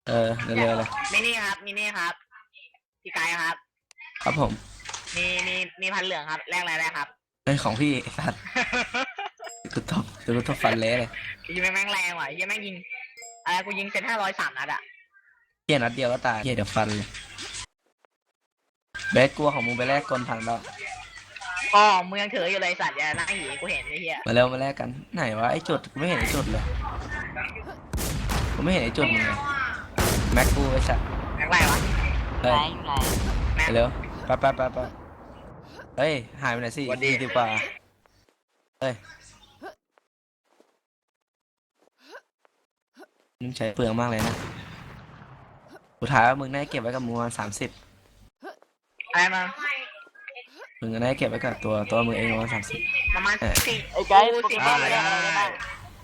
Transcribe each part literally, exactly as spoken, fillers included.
เออเร็วๆเลยมินี่ครับมินี่ครับพี่กายครับครับผมมีมีมีพันเหลืองครับแลกอะไรได้ครับเป็นของพี่ไอ้สัตว์กูตบกูตบฟันเละเลยยิงแม่งแรงว่ะยิงแม่งยิงอะไรกูยิงเซนห้าร้อยสามนัดอ่ะเฮียนัดเดียวก็ตายเฮียเดี๋ยวฟันเลยเบสกลัวของมึงไปแลกกลพันแล้วอ๋อมึงยังถืออยู่เลยสัตว์อย่าหน้าหีกูเห็นไอ้เหี้ยมาเร็วมาแลกกันไหนวะไอ้จุดกูไม่เห็นไอ้จุดเลยกูไม่เห็นไอ้จุดมึงเลยแม็กกูไอ้สัตว์แม็กไรวะเฮ้ยแม็กเร็วไปไปไปไปเฮ้ยหายไปไหนสิดีดีกว่าเฮ้ยมึงใช้เปลืองมากเลยนะสุดท้ายว่ามึงได้เก็บไว้กับมึงประมาณสามสิบอะไรมามึงก็ได้เก็บไว้กับตัวตัวมึงเองประมาณสามสิบประมาณสี่ไอ้ไกด์โปเกมอนแลกอะไรได้บ้าง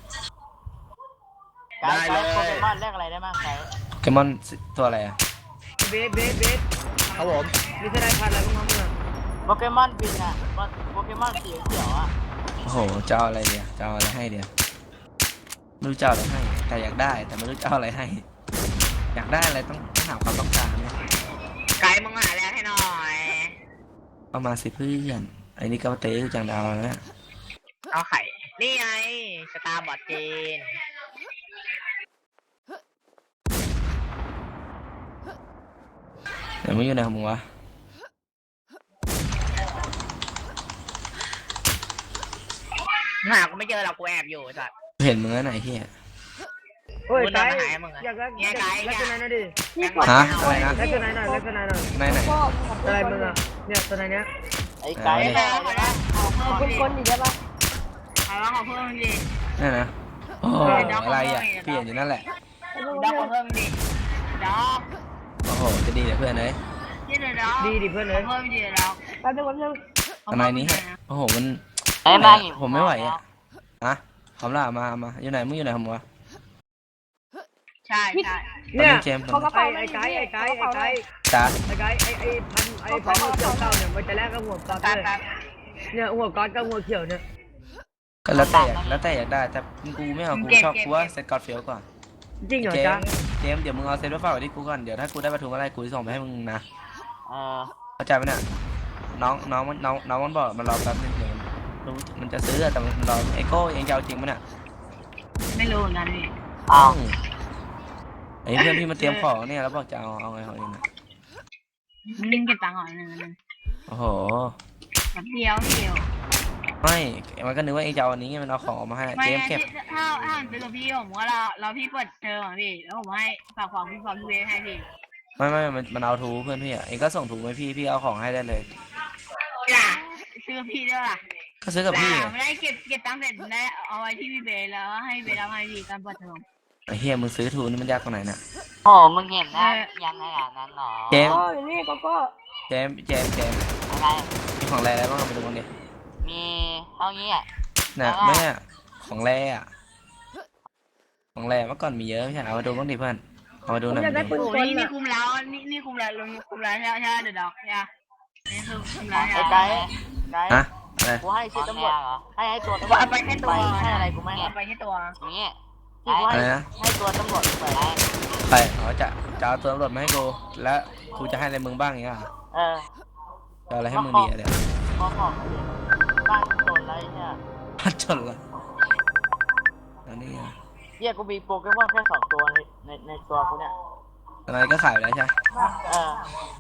ไกด์ไกด์โปเกมอนแลกอะไรได้บ้างไกด์โปเกมอนตัวอะไรอะเบสเบสเบสครับผมมีทนายพันอะไรบ้างครับเนี่ยโปเกมอนบินอ่ะโปเกมอนสีเขียวอ่ะโอ้โหเจ้าอะไรเดียวเจ้าอะไรให้เดียวไม่รู้เจ้าอะไรให้แต่อยากได้แต่ไม่รู้เจ้าอะไรให้อยากได้อะไรต้องต้องหาความต้องการเนี่ยไกด์มึงหาแล้วให้หน่อยเอามาสิเพื่อนไอ้นี่ก็เตะจังดาวแล้วเอาไข่นี่ไงสตาร์บอร์ดจีนเดี๋ยวมึงอยู่ไหนของมึงวะหากูไม่เจอหรอกกูแอบอยู่สัตว์เห็นมึงแล้วไหนเฮียโอ้ยไกด์อยากได้อยากได้ลักษณะนั้นดิฮะอะไรนะลักษณะหน่อยลักษณะหน่อยไหนไหนอะไรมึงอ่ะเนี่ยตัวไหนเนี้ยไอ้ไกด์แลกอะไรนะคนคนอีกได้ปะเอาละขอเพิ่มดินั่นนะโอ้อะไรอ่ะเปลี่ยนอยู่นั่นแหละด็อกขอเพิ่มดิด็อกโอ้โหจะดีเลยเพื่อนเลยดีดิเพื่อนเลยเพิ่มดิด็อกแป๊บนึงแป๊บนึงทำไมนี้ฮะโอ้โหมันผมไม่ไหวอ่ะอะคำล่ามามาอยู่ไหนมึงอยู่ไหนของมึงวะใช่ใช่เนี่ยเขาก็ไปไอ้ไกด์ไอ้ไกด์ไอ้ไกด์จ้าไอ้ไกด์ไอ้ไอ้พันไอ้พันหัวเขียวเต่าเนี่ยมันจะแลกกับหัวก๊อตเลยเนี่ยหัวก๊อตกับหัวเขียวเนี่ยก็แล้วแต่แล้วแต่อยากได้แต่กูไม่เอากูชอบกูว่าเซตกอดเฟียวก่อนจริงเหรอจ๊ะเจมเดี๋ยวมึงเอาเซตไว้ฝากไว้ที่กูก่อนเดี๋ยวถ้ากูได้ประทุมอะไรกูจะส่งไปให้มึงนะเออเข้าใจไหมเนี่ยน้องน้องมันน้องน้องมันบอกมันรอแป๊บนึงเดี๋ยวรู้มันจะซื้อแต่มันรอไอโก้ยังจะเอาจริงมั้ยเนี่ยไม่รู้เหมือนกันพี่อ้าวไอเพื่อนพี่มาเตรียมของเนี่ยแล้วบอกจะเอาเอาไงของเองนะลิงเก็บตังค์ก่อนหนึ่งนึงโอ้โหแบบเดียวเดียวไม่มันก็นึกว่าเองจะเอาอันนี้มันเอาของออกมาให้เจมเก็บถ้าถ้าเป็นกับพี่ผมว่าเราเราพี่เปิดเทอมอ่ะพี่แล้วผมให้ฝากของพี่ฝากพี่เวให้พี่ไม่ไม่มันมันเอาทูเพื่อนพี่อ่ะเองก็ส่งถุงให้พี่พี่เอาของให้ได้เลยจ้ะซื้อพี่ด้วยล่ะก็ซื้อกับพี่ไม่ได้เก็บเก็บตังค์เสร็จได้เอาไว้ที่พี่เบย์แล้วให้เบย์รับให้พี่ตอนเปิดเทอมไอ้เฮียมึงซื้อทูนี่มันยากตรงไหนน่ะโอ้มึงเห็นนะยังไงอ่ะนั้นหรอเจมนี่ก็ก็เจมเจมเจมอะไรมีของแร่อะไรบ้างไปดูบ้างดิมีเท่านี้อ่ะน่ะไม่อ่ะของแร่อ่ะของแร่เมื่อก่อนมีเยอะไม่ใช่เอามาดูบ้างดิเพื่อนเอามาดูหน่อยดินี่นี่คุมแล้วนี่นี่คุมแล้วลงคุมแล้วใช่ใช่เดี๋ยวดอกใช่นี่คือคุมแล้วไอ้ไกด์ไกด์อะอะไรกูให้ชื่อตำรวจให้ให้ตัวตำรวจไปให้ตัวให้อะไรกูไม่ไปให้ตัวนี่ที่กูให้ให้ตัวตำรวจไปไปอ๋อจะจะเอาตัวตำรวจมาให้กูแล้วกูจะให้อะไรมึงบ้างอย่างเงี้ยเออจะอะไรให้มึงดีอะเดี๋ยวขอของบ้านจนอะไรเนี่ยบ้านจนละแล้วนี่อ่ะเยี่ยกูมีโปเกมอนแค่สองตัวในในในตัวกูเนี่ยอะไรก็ขายไปแล้วใช่เออ